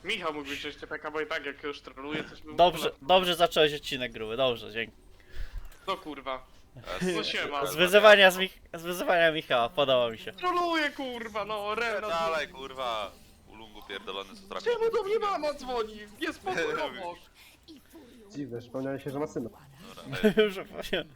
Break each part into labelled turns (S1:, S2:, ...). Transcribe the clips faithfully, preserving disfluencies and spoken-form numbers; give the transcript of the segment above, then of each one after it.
S1: Michał mógł wziąć T P K, bo i tak jak już troluje, coś bym...
S2: Dobrze, dobrze zacząłeś odcinek gruby, dobrze, dzięki.
S1: No kurwa.
S3: S-
S1: No siema.
S2: Z wyzywania, z, Mich z wyzywania Michała, podoba mi się.
S1: Troluje kurwa, no Rena.
S3: Dalej, kurwa. Ulungu pierdolony, co trafi.
S1: Czemu do mnie mama dzwoni? Jest pokój obok.
S4: Dziwne, przypomniałem się, że ma syna.
S3: Dobra, ej,
S2: Że powiem.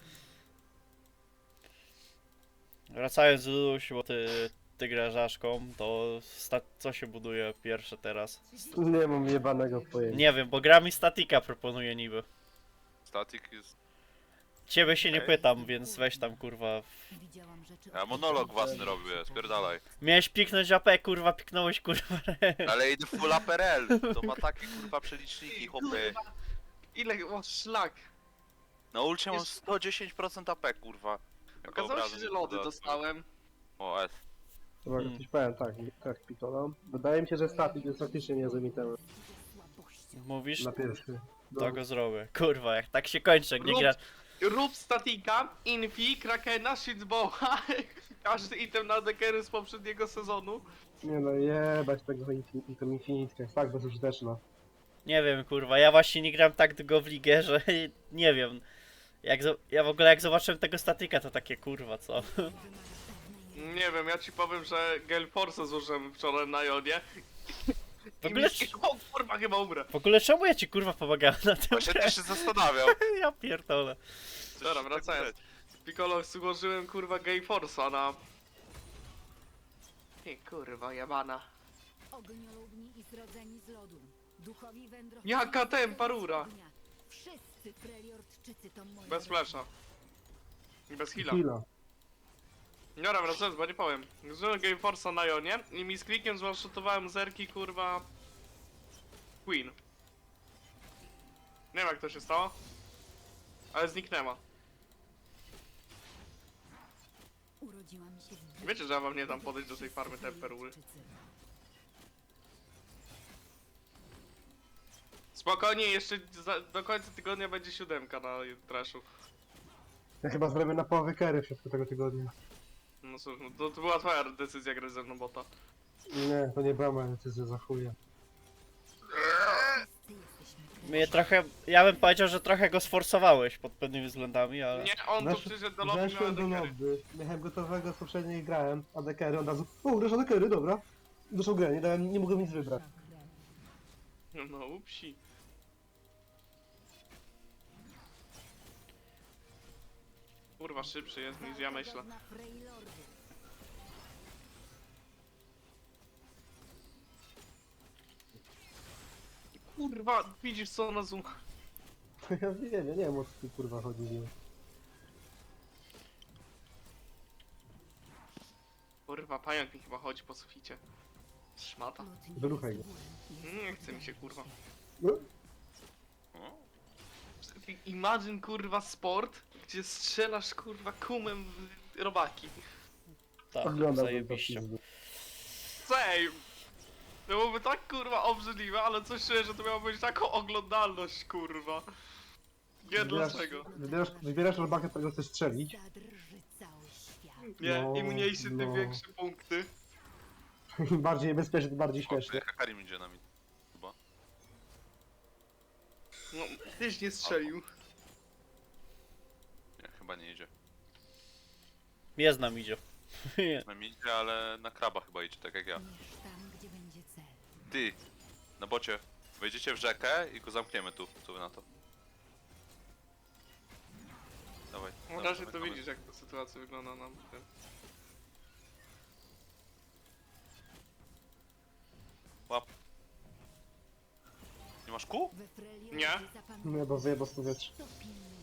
S2: Wracając do Luluś, bo ty, ty grasz Aszką, to sta co się buduje pierwsze teraz?
S4: Nie mam jebanego pojęcia.
S2: Nie wiem, bo gra mi statika proponuje niby.
S3: static jest...
S2: Ciebie się nie
S3: Okej.
S2: pytam, więc weź tam kurwa.
S3: Ja monolog własny robię, spierdalaj.
S2: Miałeś piknąć A P, kurwa, piknąłeś kurwa.
S3: Ale idę full A P R L. To ma takie kurwa przeliczniki, chłopy.
S1: Ile? O szlak.
S3: Na ulcie mam
S1: Jest-
S3: sto dziesięć procent A P, kurwa. Jak
S1: Okazało się,
S3: obrazy
S1: że
S3: nie
S1: lody
S3: dodatkowe.
S1: dostałem.
S3: O, S.
S4: Chyba
S2: Hmm.
S4: coś powiem, tak, tak pitona. Wydaje mi się, że statik jest faktycznie niezłym itemem
S2: Mówisz?
S4: na pierwszy. No,
S2: To go zrobię. Kurwa, jak tak się kończy, jak nie
S1: Rób-
S2: gra.
S1: Rób statika, infi, krakena, shitboła. Każdy item na dekery z poprzedniego sezonu.
S4: nie no, jebać tego infin- to Infinite, jest tak bezużyteczna.
S2: Nie wiem, kurwa, ja właśnie nie gram tak długo w ligę, że nie wiem. Jak zo- ja w ogóle jak zobaczyłem tego statyka, to takie kurwa, co?
S1: Nie wiem, ja ci powiem, że Gale Force złożyłem wczoraj na Jonie.
S2: W ogóle,
S1: I o kurwa, chyba umrę.
S2: w ogóle czemu ja ci kurwa pomagałem na tym?
S3: Właśnie też się zastanawiał.
S2: Ja pierdolę.
S3: Coś
S1: Dobra,
S3: tak
S1: wracając. Piccolo złożyłem kurwa Gale Force'a na... Ty kurwa, jebana.
S5: Ogniolubni i zrodzeni z lodu. Duchowi wędrowcy.
S1: Jaka tempa rura?
S5: Wszyscy preliortczycy to moi.
S1: Bez flesza. I bez heala.
S4: Chwila.
S1: Dobra, wracając, bo nie powiem. Zużyłem Game Force'a na Jonie i mi z klikiem zwanshotowałem zerki kurwa... Queen. Nie wiem jak to się stało. Ale zniknęła.
S5: Urodziłam się w
S1: Wiecie, że ja wam nie dam podejść do tej farmy temperury. Spokojnie, jeszcze za, do końca tygodnia będzie siódemka na trashu.
S4: Ja chyba zrobię na połowę kery w środku tego tygodnia.
S1: No cóż, no to, to była twoja decyzja grać ze mną bota.
S4: Nie, to nie była moja decyzja, za chuja.
S2: Mnie trochę, ja bym powiedział, że trochę go sforsowałeś pod pewnymi względami, ale...
S1: Nie, on tu
S4: Wesz-
S1: przyszedł do lobby, miał
S4: Weszłem do
S1: dekery.
S4: lobby, miałem gotowego z poprzedniej grałem, a dekery od razu. O, grasz dekery, dobra. Doszło grę, nie, dałem, nie mogłem nic wybrać.
S1: No upsi. Kurwa, szybszy jest niż ja myślę. Kurwa, widzisz co ona zoom...
S4: Ja wiem, ja nie wiem o co tu kurwa chodzi. Nie.
S1: Kurwa, pająk mi chyba chodzi po suficie. Szmata.
S4: Wyruchaj go.
S1: Nie chce mi się kurwa.
S4: No,
S3: O,
S1: Imagine kurwa sport, gdzie strzelasz kurwa kumem w robaki.
S2: Tak,
S4: oglądam to
S2: zajebiście.
S4: pizdu.
S1: Same! To byłoby tak kurwa obrzydliwe, ale coś czuję, że to miało być taką oglądalność kurwa. Nie
S4: Wybierasz-
S1: dlaczego.
S4: Wybierasz, wybierasz robakę, którego chcesz strzelić.
S5: Zadrży cały świat.
S1: Nie,
S4: No,
S1: im mniejszy, tym
S4: no.
S1: większe punkty.
S4: Im bardziej niebezpieczny, tym bardziej
S3: chłopie,
S4: śmieszny.
S3: Hakarim idzie na mi. Chyba.
S1: No, tyś nie strzelił.
S3: Nie, chyba nie idzie.
S2: Jest nam idzie.
S3: Na mi idzie, ale na kraba chyba idzie, tak jak ja.
S5: Mierz tam, gdzie będzie cel.
S3: Ty, na bocie. Wejdziecie w rzekę i go zamkniemy tu. Co wy na to? Dawaj.
S1: Na
S3: dawaj,
S1: razie to
S3: dawaj,
S1: widzisz jak ta sytuacja wygląda nam.
S3: Łap. Nie masz kół?
S5: We Freljordzie
S1: Nie.
S5: zapamiętaj,
S4: Nie, bo wyjebał z powietrza.
S5: kto pilnuje.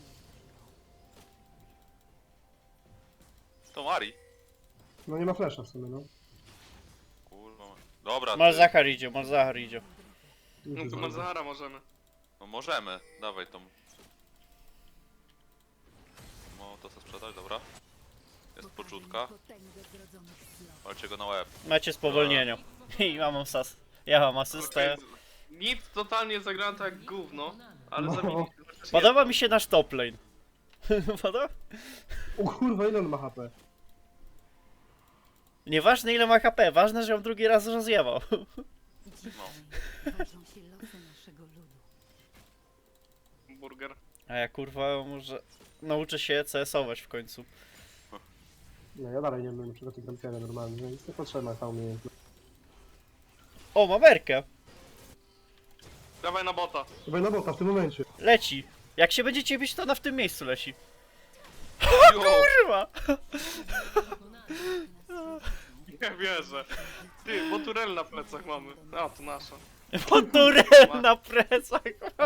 S3: To Mari.
S4: No nie ma flasha w sumie, no.
S3: Kurwa. Dobra, ty.
S2: Malzahar idzie, Malzahar idzie.
S1: No to Mazahara możemy.
S3: No możemy. Dawaj tą. No to co sprzedać, dobra. Jest
S5: Pokażę
S3: poczutka.
S5: im potęgę zrodzonych slot.
S3: Walcie go na łeb.
S2: Macie spowolnienie. I ja mam sas. Ja mam asystę.
S1: Okej, nic totalnie zagrałem tak jak gówno, ale
S4: No.
S1: zabiliśmy chociaż
S2: Podoba
S1: jedno.
S2: mi się nasz top lane. Podoba?
S4: O kurwa, ile on ma H P?
S2: Nieważne ile ma H P, ważne, że ją drugi raz rozjebał.
S5: Dzisiaj
S3: No.
S5: ważą się losy naszego ludu.
S1: Burger.
S2: A ja kurwa może nauczę się C S ować w końcu.
S4: Nie, ja dalej nie wiem, czego ty gram pianę normalnie, więc nie potrzebna ta umiejętność.
S2: O, mam Erkę!
S1: Dawaj na bota.
S4: Chyba na bota w tym momencie.
S2: Leci! Jak się będziecie bić, to ona w tym miejscu leci.
S1: Jo,
S2: Kurwa!
S1: nie wierzę. Ty, bo turel na plecach mamy. A, to nasza.
S2: Motorel na plecach!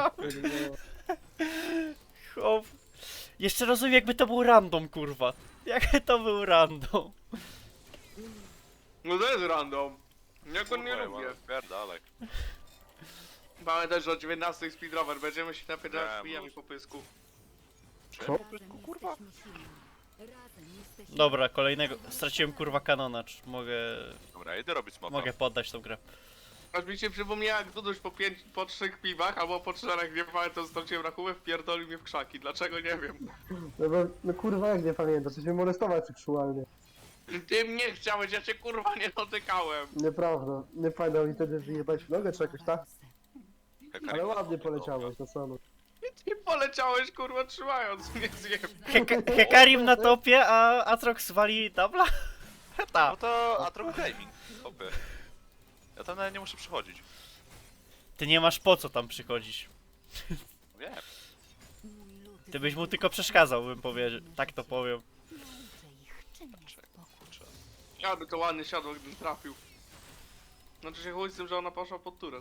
S2: Chłop. Jeszcze rozumiem, jakby to był random, kurwa. Jakby to był random.
S1: No to jest random. Ja go nie
S3: Kurwa,
S1: lubię.
S3: ale Pierdalek.
S1: Pamiętaj, że o dziewiętnastej speedrower. Będziemy się napierdalać
S3: Nie,
S1: z pijami
S3: mów.
S1: po pysku.
S4: Co?
S5: Razem
S3: kurwa.
S5: jesteśmy silni. Razem jesteśmy
S2: Dobra, kolejnego. Straciłem kurwa kanona. Czy mogę.
S3: Dobra, idę robić smoka.
S2: Mogę poddać tą grę.
S1: Aż mi się przypomniała, jak Duduś po pięć, po trzech piwach, albo po czterech, nie pamiętam, straciłem rachubę, wpierdolił mnie w krzaki. Dlaczego, nie wiem.
S4: No, bo, no kurwa, jak nie pamiętam, chcesz mnie molestować seksualnie.
S1: Ty mnie chciałeś, ja cię kurwa nie dotykałem.
S4: Nieprawda, nie pamiętam mi wtedy wyjebać w nogę czy jakoś tak?
S3: Hekarim
S4: Ale
S3: na
S4: ładnie
S3: smoku,
S4: poleciałeś, to co no.
S1: Ty poleciałeś kurwa trzymając mnie zjem.
S2: Heka Hekarim na topie, a Atrox wali dubla?
S3: No
S2: Ta.
S3: to Atrox Gaming. Opie. Ja tam nawet nie muszę przychodzić.
S2: Ty nie masz po co tam przychodzić.
S3: Wiem.
S5: Mój lud
S2: Ty byś mu tylko przeszkadzał, bym powiedział. Tak to powiem.
S5: nauczę ich, czym jest
S3: Czekaj,
S5: spokój.
S3: kurczę.
S1: Ja by to ładnie siadło, gdybym trafił. Znaczy się chuj z tym, że ona poszła pod turę.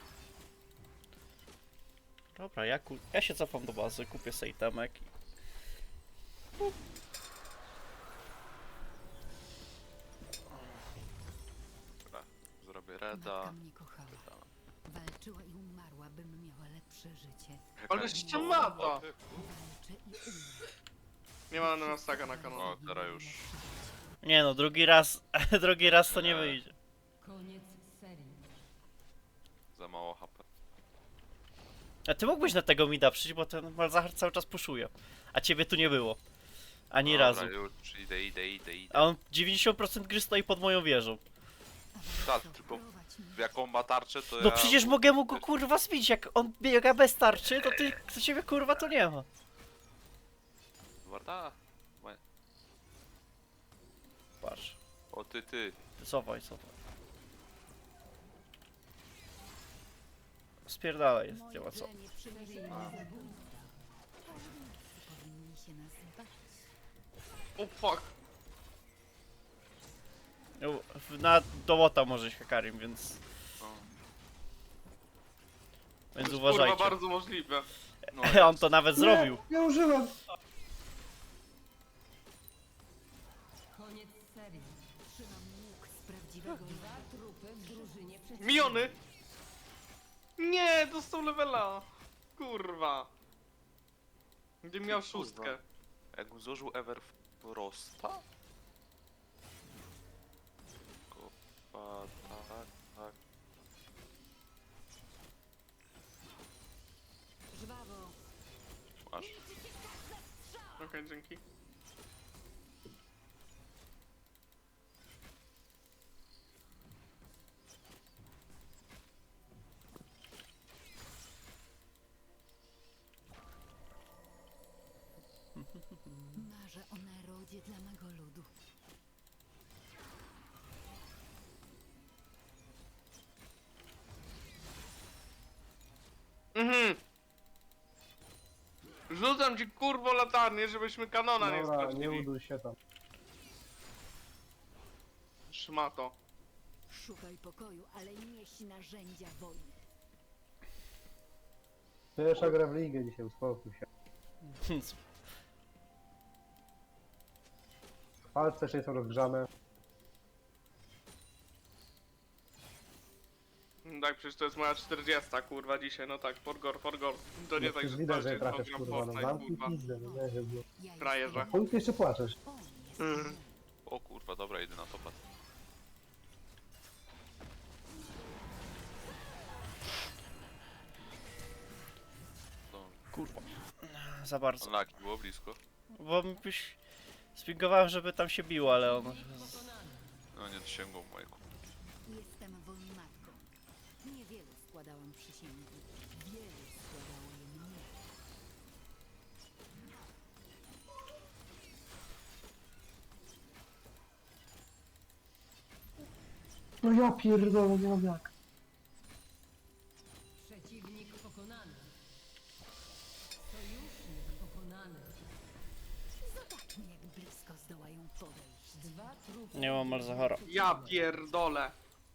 S2: Dobra, ja, ku... ja się cofam do bazy, kupię sobie temek. i-
S3: Dobra, zrobię
S5: Matka
S3: reda.
S5: mnie kochała. Walczyła i umarła, bym miała lepsze życie.
S1: Ale jeszcze ma to.
S5: Walczę i umrę.
S1: Nie ma na nas taka na kanale.
S3: O, teraz już.
S2: Nie no, drugi raz, drugi raz to nie
S3: Nie.
S2: wyjdzie.
S5: Koniec serii.
S3: Za mało H P.
S2: A ty mógłbyś na tego mida przyjść, bo ten Malzahar cały czas puszuje. A ciebie tu nie było. Ani
S3: Dobra,
S2: razu.
S3: już idę, idę, idę, idę.
S2: A on dziewięćdziesiąt procent gry stoi pod moją wieżą.
S3: Tak, tylko jaką ma tarczę, to
S2: No
S3: ja...
S2: przecież mogę mu go kurwa zbić, jak on biega bez tarczy, to ty, do ciebie kurwa to nie ma.
S3: Warta?
S2: Patrz,
S3: O ty, ty.
S2: cofaj, cofaj. Spierdalaj, nie ma co.
S5: Plemię przymierzyli zabójstwa. Wszyscy powinni się nas bać.
S1: O fuck.
S2: No, w- Na dołota może iść Hekarim, więc,
S3: No.
S2: więc
S1: Kurwa,
S2: uważajcie.
S1: bardzo możliwe.
S3: No,
S2: On to nawet zrobił.
S4: Nie, nie użyłem!
S5: Koniec serii. Trzymam łuk z prawdziwego dwa trupy w drużynie przeciwnej.
S1: Miony! Nie, dostał levela. Kurwa. Gdybym miał
S3: Kurwa.
S1: szóstkę.
S3: Jakbym złożył Everfrosta? Kurwa, tak, tak.
S5: Żwawo.
S3: Masz.
S1: Okej, dzięki.
S5: Marzę o narodzie dla mego ludu.
S1: Mhm. Rzucam ci kurwo latarnię, żebyśmy kanona nie
S4: Dobra, nie
S1: stracili.
S4: uduj się tam.
S1: Szmato.
S5: Szukaj pokoju, ale nieś narzędzia wojny.
S4: Pierwsza gra w ligę dzisiaj, uspokój się. Palce jeszcze nie są rozgrzane.
S1: Tak, przecież to jest moja czterdziesta kurwa dzisiaj, no tak, forgor, forgor. To nie
S4: No
S1: tak,
S4: przecież
S1: że
S4: widać, że
S1: walczyć,
S4: trafiasz
S1: gram
S4: kurwa, no
S1: Fortnite,
S4: zamknij
S1: kurwa.
S4: pizdę, no nie wiem.
S5: Ja
S1: Frajerze.
S5: jestem-
S4: Chuj ty jeszcze płaczesz.
S5: On jest
S1: Mm.
S5: mną.
S3: O kurwa, dobra, idę na topa. To...
S2: Kurwa. Za bardzo.
S3: Unlucky, było blisko.
S2: Bo byś... Spingowałem, żeby tam się biło, ale on...
S3: No nie dosięgło mojego.
S5: Jestem wojmatką. składałam przysięgi. Wielu składało je mnie.
S4: No ja pierdolę, nie mam jak.
S5: Przeciwnik pokonany. Sojusznik pokonany. Zobaczmy, jak blisko zdołają podejść. Dwa trupy.
S2: Nie mam Malzahara.
S1: Ja pierdolę.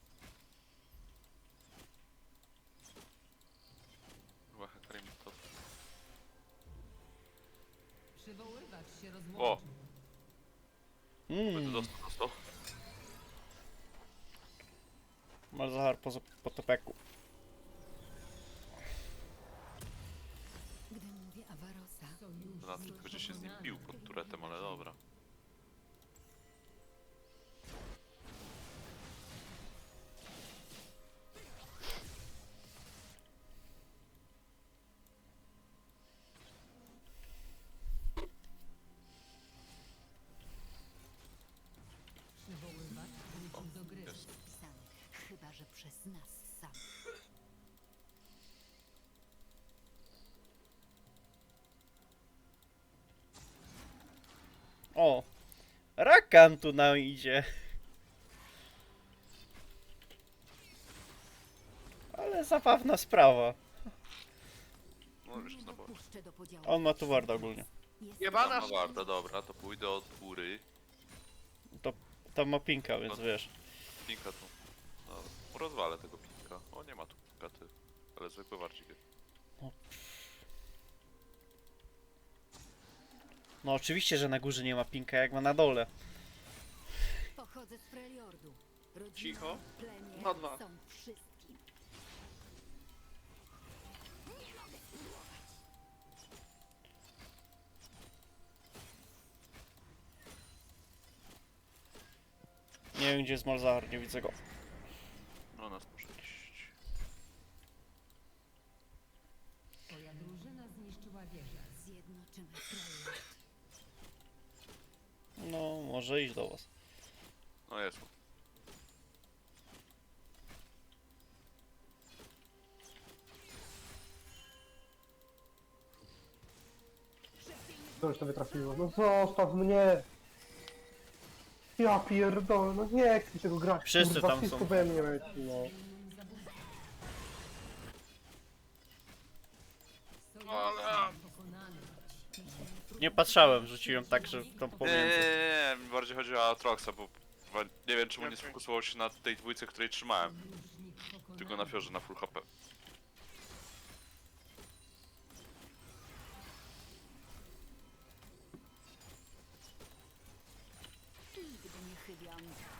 S3: Chyba Hekarim to...
S5: Przywoływać się
S3: O!
S5: rozłączył.
S3: Będę
S2: Mmm,
S3: dostał, dostał.
S2: Malzahar po, po topeku.
S5: Gdy mówię Avarosa,
S3: Donatek będzie się z nim bił pod turetem, ale dobra.
S5: przywoływacz wrócił do gry.
S3: Jest.
S5: Wpisany, chyba że przez nas sam.
S2: O! Rakan tu nam idzie. Ale zabawna sprawa.
S3: No już
S5: Nie
S3: na bocie.
S5: dopuszczę do podziału.
S2: On ma tu warda ogólnie.
S5: Jest
S1: Jebana
S3: No warto, dobra, to pójdę od góry.
S2: Tam ma pinka, więc wiesz.
S3: Pinka tu. No, rozwalę tego pinka. O, nie ma tu pinka, ty. Ale zwykły warcik jest.
S2: No oczywiście, że na górze nie ma pinka, jak ma na dole.
S5: Pochodzę z Freljordu. Rodzina,
S1: Cicho.
S5: plemię
S1: Na dwa.
S5: są wszystkim.
S2: Nie wiem, gdzie jest Malzahar, nie widzę go.
S3: No nas muszę iść.
S5: Twoja drużyna zniszczyła wieżę. Zjednoczymy Freljord.
S2: No, może iść do was.
S3: No jest.
S4: To już to wytrafiło. No zostaw mnie! Ja pierdolę, no nie chcę tego grać.
S2: Wszyscy
S4: kurwa,
S2: tam
S4: wszystko
S2: są.
S4: we mnie leci, no.
S1: Ale...
S5: Pokonany.
S2: Nie patrzałem, rzuciłem tak, że tam
S3: Nie, nie,
S2: pomiędzy.
S3: nie, nie, mi bardziej chodzi o Atroxa, bo chyba nie wiem czemu nie
S1: Okej.
S3: sfokusował się na tej dwójce, której trzymałem.
S5: Sojusznik pokonany.
S3: Tylko na fiorze na full H P.
S5: Nigdy nie chybiam.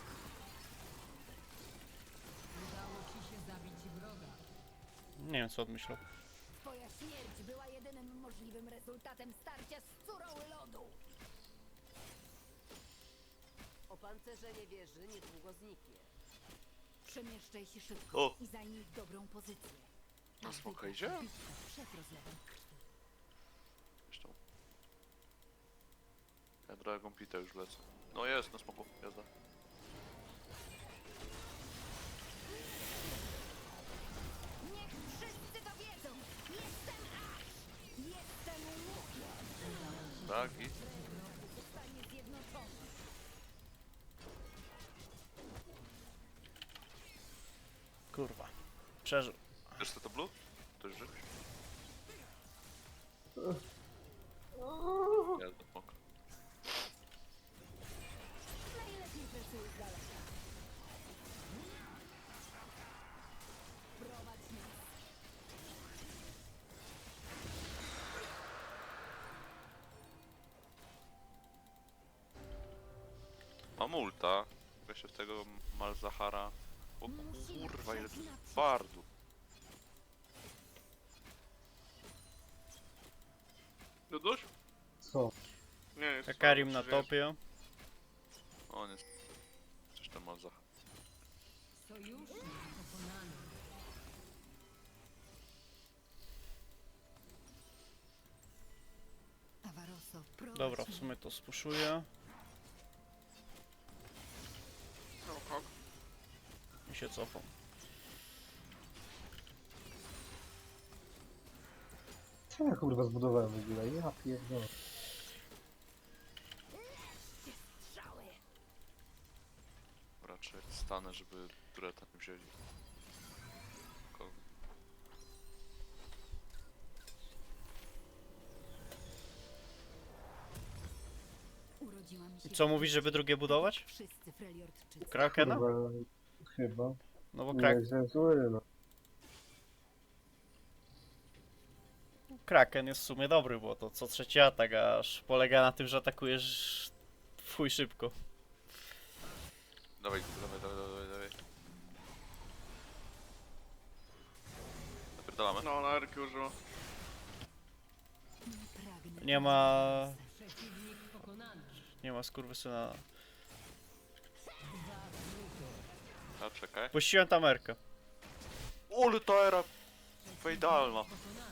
S5: Udało ci się zabić wroga.
S2: Nie wiem, co odmyślał.
S5: Twoja śmierć była jedynym możliwym rezultatem starcia z Curoły Lodu.
S6: Opancerzenie wieży niedługo zniknie.
S5: Przemieszczaj się szybko
S3: O!
S5: i zajmij dobrą pozycję.
S3: Na
S5: Każdy
S3: smoka
S5: taka
S3: idzie?
S5: bitka przed rozlewem krwi.
S3: Zresztą. Ja Dragon Pita już lecę. No jest, na smoku, jazda.
S5: Niech wszyscy to wiedzą! Jestem Ash! Jestem łukiem!
S3: Tak i...
S5: Zostanie zjednoczony.
S2: Kurwa. Przeżył.
S3: Wiesz co to blue? To już żyjesz? Jazda, smok.
S5: Najlepiej pracuję z daleka. Prowadź nas.
S3: Mam ulta. Weź się w tego Malzahara. O
S5: Musimy
S3: kurwa, ile tu
S5: przejść naprzód.
S3: bardu.
S1: Duduś?
S4: Co?
S1: Nie, jest
S2: Hekarim na
S1: słabo,
S2: topie.
S3: On jest... Coś tam Malzahar.
S5: Sojusznik pokonany. Avaroso, prowadź
S2: Dobra, w
S5: mnie.
S2: sumie to spuszuję.
S1: żyjesz. O, kok.
S2: I się cofam.
S4: Co ja kurwa zbudowałem w ogóle? Ja pierdolę.
S3: Raczej stanę, żeby tureta nie wzięli. Ko-
S5: Urodziłam się.
S2: Co mówisz, żeby drugie budować?
S5: Wszyscy Freljordczycy.
S2: Krakena?
S4: Kurwa, chyba.
S2: No bo
S4: Nie
S2: krak
S4: jestem zły, no.
S2: Kraken jest w sumie dobry, bo to co trzeci atak, aż polega na tym, że atakujesz w chuj szybko.
S3: Dawaj, dawaj, dawaj, dawaj, dawaj. Napierdalamy.
S1: No, na Erki użyło.
S5: Nie pragnę.
S2: Nie ma...
S6: Przeciwnik pokonany.
S2: Nie ma skurwysyna.
S3: A czekaj.
S2: Puściłem tam Erkę.
S3: Ole ta era! Fejdalna.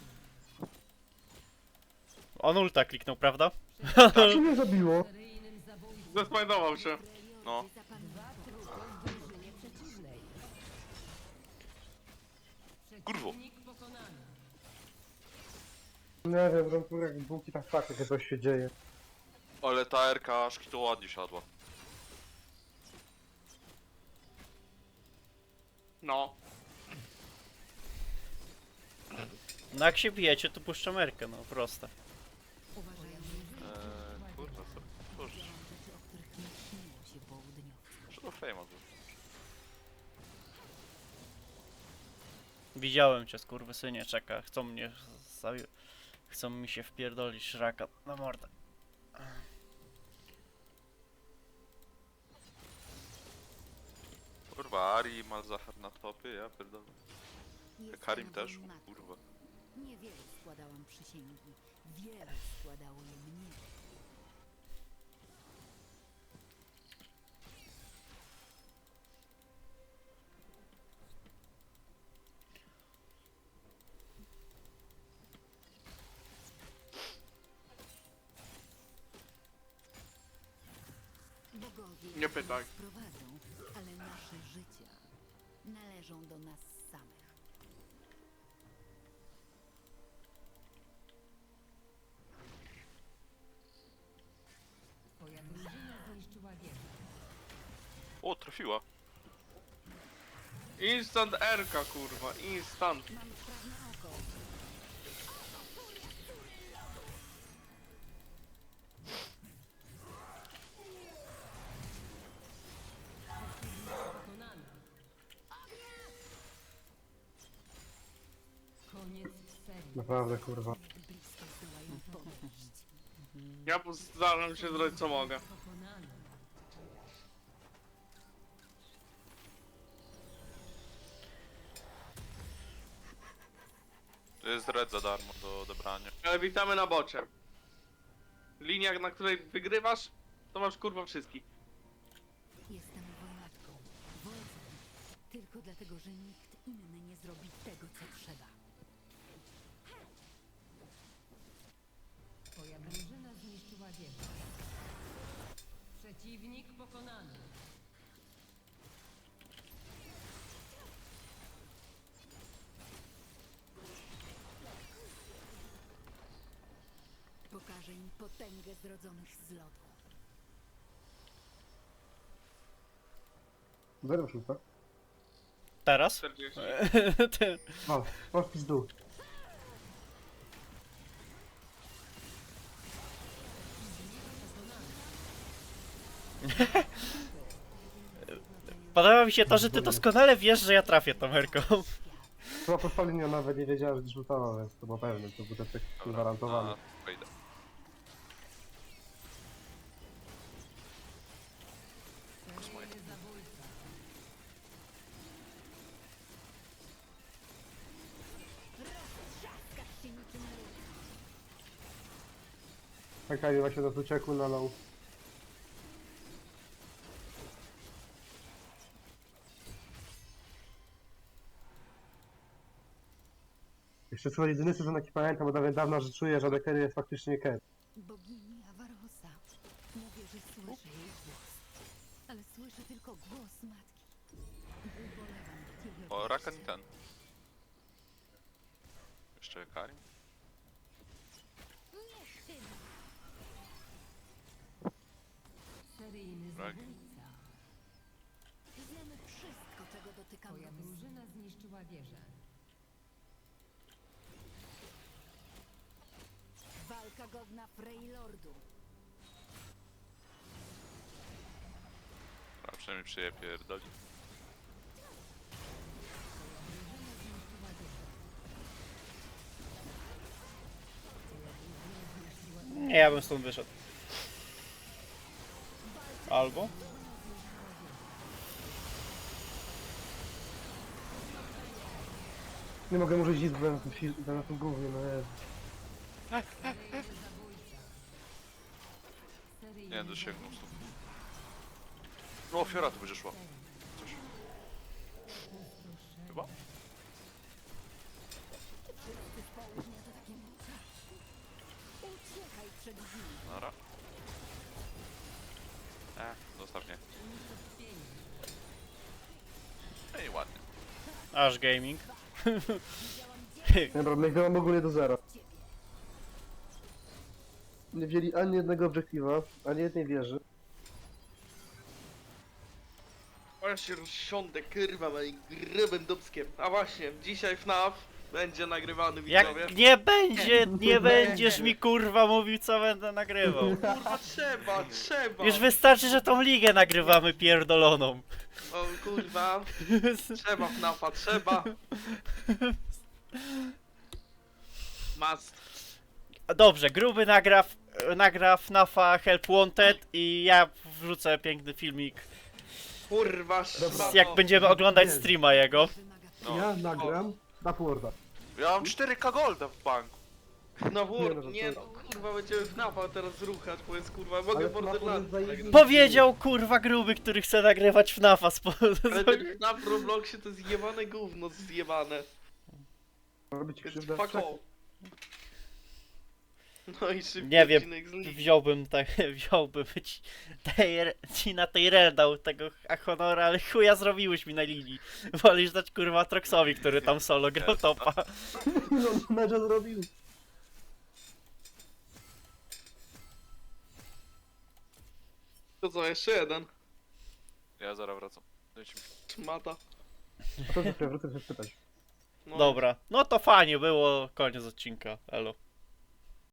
S2: On ulta kliknął, prawda?
S4: Co mnie zabiło?
S6: Seryjnym zabójcą.
S1: Zesmajdował się.
S3: No.
S6: Dwa trupy w drużynie przeciwnej.
S3: Kurwo.
S6: Przeciwnik pokonany.
S4: Nie wiem, że tu jak bułki tak fakt, jak coś się dzieje.
S3: Ale ta erka aż to ładnie siadła.
S1: No.
S2: No jak się bijecie, to puszczam Erkę, no proste.
S5: Uważaj,
S3: Eee, kurwa, co? Cóż,
S5: rzeczy, o których nie śniło się południowcom.
S3: że do Flame'a był.
S2: Widziałem cię, skurwysynie, czeka. Chcą mnie... zabi- Chcą mi się wpierdolić szraka na mordę.
S3: Kurwa, Ari i Malzahar na topie, ja pierdolę.
S5: Jestem
S3: Karim też,
S5: moją matką.
S3: kurwa.
S5: Niewiele składałam przysięgi. Wiele składało je mnie. Bogowie
S1: Nie pytaj.
S5: nas prowadzą, ale nasze życia należą do nas samych.
S6: Twoja drużyna zniszczyła wieżę.
S3: O, trafiła.
S1: Instant Erka, kurwa. Instant.
S5: Mam sprawne oko.
S6: Pokonany. Koniec serii.
S4: Naprawdę, kurwa.
S5: Jak blisko zdołają podejść.
S1: Ja postaram się zrobić co mogę.
S6: Pokonany.
S3: To jest red za darmo do odebrania.
S1: Ale witamy na bocie. Linia, na której wygrywasz, to masz kurwa wszystkich.
S5: Jestem wojowniczką, wodzem. Tylko dlatego, że nikt inny nie zrobi tego, co trzeba.
S6: Twoja drużyna zniszczyła wieżę. Przeciwnik pokonany.
S5: Pokażę im potęgę zrodzonych z lodu.
S4: Zero szósta.
S2: Teraz?
S1: czterdzieści.
S2: Ty-
S4: O, masz pizdu.
S2: Podoba mi się to, że ty doskonale wiesz, że ja trafię tą Erką.
S4: Chyba po spaleniu nawet nie wiedziałem, że rzutował, więc to było pewne, to był tak gwarantowany.
S3: na Fejdę.
S6: Seryjny zabójca.
S5: Trzaskasz się niczym ryb.
S4: Czekaj, właśnie nas uciekł na low. Jeszcze co jedyny sezon jaki pamiętam od dawien dawna, że czuję, że Dekery jest faktycznie Ker.
S5: Bogini Avarosa. Mówię, że słyszę jej głos. Ale słyszę tylko głos matki. Ubolewam nad jej
S3: O,
S5: odejściem.
S3: Rakan i ten. Jeszcze Karim. Fragi.
S6: zabójca.
S5: Wiemy wszystko, czego dotyka
S6: Twoja
S5: mróz.
S6: drużyna zniszczyła wieżę.
S5: Walka godna Freylordu.
S3: A przynajmniej przyje pierdoli.
S2: Nie, ja bym stąd wyszedł. Albo?
S4: Nie mogę użyć nic na tym, fi- na tym gównie, no jest.
S6: Seryjny
S3: Nie, dosięgnął
S6: zabójca.
S3: stąd. No, ofiara tu będzie szła. Coś. Chyba?
S5: Wszyscy z południa to takie muczaczki. Uciekaj przed nimi.
S3: Nara. E, zostaw mnie. Ej, ładnie.
S2: Aż gaming.
S4: Dobra, my chyba ogólnie do zera. Nie wzięli ani jednego obiektywa, ani jednej wieży.
S7: O, ja się rozsiądę, kurwa, moim grubym dubskiem. A właśnie, dzisiaj F N A F będzie nagrywany, widzowie.
S2: Jak nie będzie, nie będziesz mi kurwa mówił, co będę nagrywał.
S7: Kurwa, trzeba, trzeba.
S2: Już wystarczy, że tą ligę nagrywamy pierdoloną.
S7: O kurwa, trzeba F N A F a, trzeba. Must.
S2: Dobrze, gruby nagra, nagra F N A F a Help Wanted i ja wrzucę piękny filmik,
S7: Kurwa,
S4: Dobra.
S7: szmato.
S2: jak będziemy oglądać streama jego.
S5: Wymaga
S3: No.
S4: Ja nagram na Forda.
S3: Ja mam cztery K golda w banku.
S7: No
S4: Nie,
S7: wór,
S4: no to
S7: nie
S4: co?
S7: no, kurwa, będziemy F N A F a teraz ruchać, bo jest kurwa, mogę
S4: Ale F N A F
S7: Borderlands.
S4: jest zajebisty.
S2: Powiedział kurwa gruby, który chce nagrywać F N A F a. Spo...
S7: Ale ten F N A F w Robloxie to jest jebane gówno zjebane.
S4: Robić
S7: Jest
S4: krzywdę.
S7: fuck off. No i szybki
S2: Nie wiem,
S7: odcinek z ligi.
S2: wziąłbym tak, wziąłbym ci, tej, ci na tej rel dał tego Honora, ale chuja zrobiłeś mi na linii. Wolisz dać kurwa Troxowi, który tam solo grał topa.
S4: No, mecza zrobił.
S7: To co, jeszcze jeden?
S3: Ja zaraz wracam. Dajcie mi.
S7: Szmata.
S4: A to za chwilę wrócę się spytać.
S7: No.
S2: Dobra, no to fajnie było, koniec odcinka, elo.